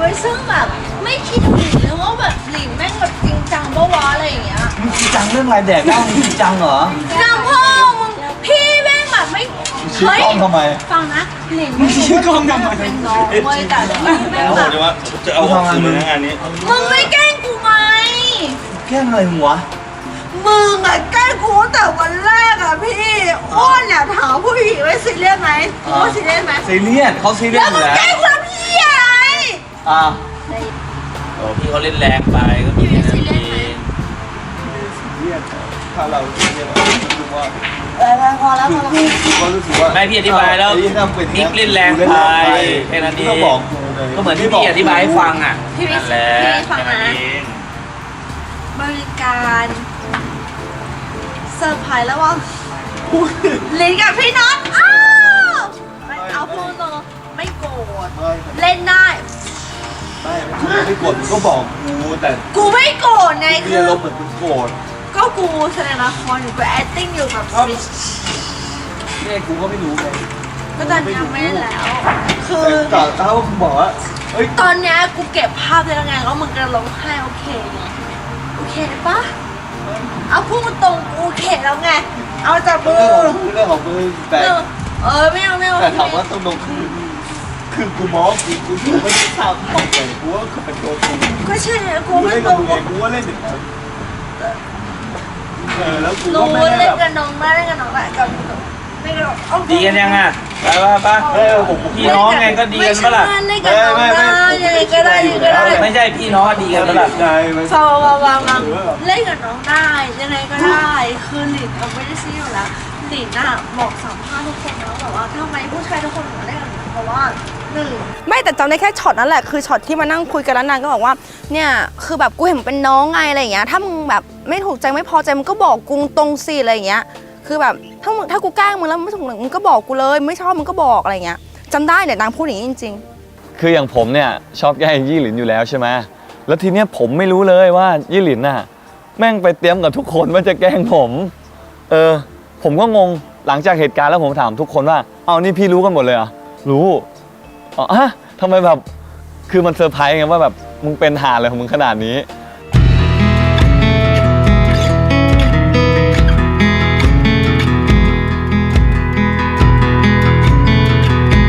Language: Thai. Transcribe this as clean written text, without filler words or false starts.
ว้ยซึ่งแบบไม่คิดถึงเลยว่าแบบหลินแม่งแบบจริงจังปะวะอะไรอย่างเงี้ยมึงจริงจังเรื่องอะไรแดกเหล้ามึงจริงจังเหรอจังพ่อมึงพี่แม่งแบบไม่ชื่อกล้องทำไมฟังนะหลินไม่รู้ว่าเป็นน้องเว้ยแต่พี่แม่งแล้วแบผมบจะว่าจะเอาออกคืนเลยนะงานนี้มึงไม่แกล้งกูไหมแกล้งอะไรมึงวะมึงอะแกล้งกูตั้งแต่วันแรกอะพี่อ้วนเนี่ยถามผู้หญิงว่าซีเรียสไหมกูว่าซีเรียสไหมซีเรียสเขาซีเรียแล้สวอ ยู่แล้วมึงแกล้งกูทำพี่อะไรอ่าโอ้พี่เขาเล่นแรงไปก็มีแค่นั้นเองถ้าเราซีเรียสเรารู้สึกว่าพอแล้วพอแล้วกูก็รู้สึกว่าไม่พี่อธิบายแล้วไอ้ที่ทำป็นิกเล่นแรงไปแค่นั้นเองก็บอกกูเลยก็เหมือนที่พี่อธิบายให้ฟังอ่ะพี่วินั่นแหละพี่ฟังแค่นั้นนะเองบริการเซอร์ไพรส์แล้วว่าลิ้นกับพี่น็อตอ้าวไม่เอาพูดตรงๆไม่โกรธเล่นได้ไม่กดก็บอกกูแต่กูไม่โกรธไงเรีคืยนอลมเหมือนกูโกรธก็กูแสดงละครอยู่กู acting อยู่แบบเนี่ยกูก็ไม่รู้ไงก็ตอนนี้ไม่ได้แล้ว คือแต่ถ้ามึงบอกว่าเฮ้ยตอนเนี้ยกูเก็บภาพได้แล้วไงแล้วมึงกระร้องไห้โอเคไงโอเคปะเอาพูดตรงกูโอเคแล้วไงเอาจับมือเรื่องของมือแต่ไม่เอาแต่ถามว่าต้องลงคือกูมองกูไม่ได้ทำของเลยกูว่าคือเป็นตัวกูก็ใช่ไงกูกูไม่เล่นตกัรบงมึงไงกูว่าเล่นอย่างนั้นแล้วกูก็รู้ไม่ได้เล่นแบบกับน้องได้เล่นกับน้องได้กับไม่กับเอาดีกันยังอ่ะไปป่ะพี่น้องไงก็ดีกันปะล่ะเล่นกับน้องได้ยังไงก็ได้ยังไงก็ได้ไม่ใช่พี่น้องดีกันปะล่ะใจมันฟังเล่นกับน้องได้ยังไงก็ได้คือหลินเอาไม่ได้ซีอยู่แล้วหลินน่ะบอกสัมภาษณ์ทุกคนแล้วแบบว่าทำไมผู้ชายทุกคนถึงมาเล่นกับหลินเพราะว่าหนึ่งไม่แต่จำได้แค่ช็อตนั้นแหละคือช็อตที่มานั่งคุยกันแล้วนางก็บอกว่าเนี่ยคือแบบกูเห็นมึงเป็นน้องไงอะไรอย่างเงี้ยถ้ามึงแบบไม่ถูกใจไม่พอใจมึงก็บอกกูตรงสิอะไรอย่างเงี้ยคือแบบถ้ากูแกล้งมึงแล้วไม่ถูกมึงก็บอกกูเลยไม่ชอบมึงก็บอกอะไรอย่างเงี้ยจำได้เนี่ยนางพูดอย่างนี้จริงๆคืออย่างผมเนี่ยชอบแกล้งยี่หลินอยู่แล้วใช่ไหมแล้วทีเนี้ยผมไม่รู้เลยว่ายี่หลินน่ะแม่งไปเตรียมกับทุกคนว่าจะแกล้งผมผมก็งงหลังจากเหตุการณ์แล้วผมถามทุกคนว่าเอานี่พี่รู้กันหมดเลยเหรอรู้อ๋อฮะทำไมแบบคือมันเซอร์ไพรส์ไงว่าแบบมึงเป็นหาอะไรของมึงขนาดนี้